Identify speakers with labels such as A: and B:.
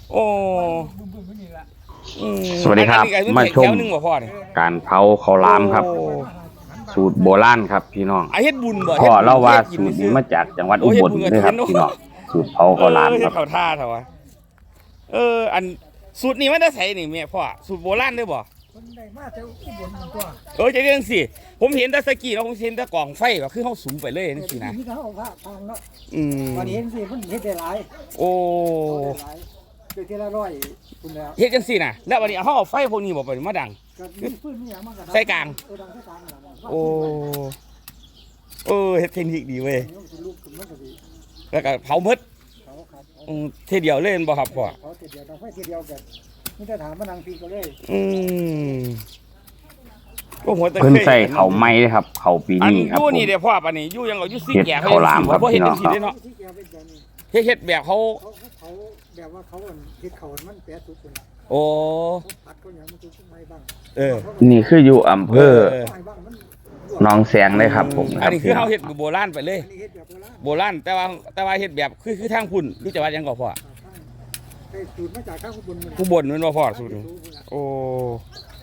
A: โอ้
B: สวัสดีครับ มาชม
A: แถวหนึงบ่พ่อเนี่ย
B: การเผาข้าวหลามครับ
A: โอ้
B: สูตรโบราณครับพี่น้อง
A: เฮ็ดบุญบ่
B: พ่อเล่าว่า
A: ฮ็ดบุญ
B: สูตร
A: ซื้
B: นี้
A: อ
B: มาจากจังหวัด
A: โอ้
B: อุ
A: เฮ็ด
B: บล
A: บุญกับ
B: เลยครับ
A: เทียนเนอะ
B: พี่น้องสูตรเผาข้าวหลาม
A: เฮ็
B: ค
A: ด
B: รับ
A: ข้าวท่าเถอะวะอันสูตรนี้มันจะใส่นี่แม่พ่อสูตรโบราณได้บ่
C: คนได้มาแต่อุบลมันตัว
A: จะเรื่องสิผมเห็นแต่สกี้แล้วผมเห็นแต่กล่องไฟก็คือเฮาสุมไปเลยจังซี่นะ
C: มีทั้งเอาผ้าทางเนาะ
A: อืม
C: วันนี้เห็นสิมันเฮ็ดได้หลาย
A: โอ้
C: หลายเดือนที่ละร้อยคุณแล้ว
A: เฮ็ดจังซี่นะแล้ววันนี้เฮาเอาไฟพวกนี้บ่ไปมาดัง
C: ก็มีปืนมีหยังมันก็
A: ใส่กลาง
C: ดังใส่กลางนั่นน่ะ
A: โอ้เฮ็ดเทคนิคดีเว้ย
C: มันสิลุกขึ้นมันก็สิ
A: แล้วก็เผาหมด
C: เขาครับ
A: เทเดียวเล่นบ่ครับพ่อ
C: เขาทีเดียวต้องไฟทีเดียวกันนี่จะถามมานั่งปีก็เลย
A: อืมก็หัวตะ
B: เพิ่น
A: คย
B: ใส่ข้าวไหม้เลยครับข้าวปี
A: อัน
B: นี้ครับ
A: ยู่
B: ผม
A: นี่เดี๋ยวพ่อปานนี้อยู่ยังเอาอยู่ซี่
B: เฮ็ด
A: แก่
B: ข้าวหลามครับ
A: บ่เฮ็ดจัง
B: พี่
A: ซี่
B: น้อง
A: เด้เนาะ
C: ที่แกเป็นแบบนี้
A: เฮ็ดแบบเขา
C: เขาแบบว่าเขาเฮ็ดเขามันแปรสุดคนละ
A: โอ้
C: เขาปัดเขาหยังมันคือไม่บ้าง
A: เออ
B: นี่คืออยู่อำเภอ
C: ไม่บ้างมัน
B: หนองแสงเลยครับผม
A: อันนี้คือเฮาเฮ็ดโบราณไปเลย
C: อันนี้เฮ็ดแบบโบราณ
A: โบราณแต่ว่าเฮ็ดแบบคือทางพุ่นคือจังหวัดหยังก็พ่อ
C: ได้สูตรมาจากข้างอุบลมัน
A: ผู้บนแม่นบ่พ่อสูตรนี้โอ้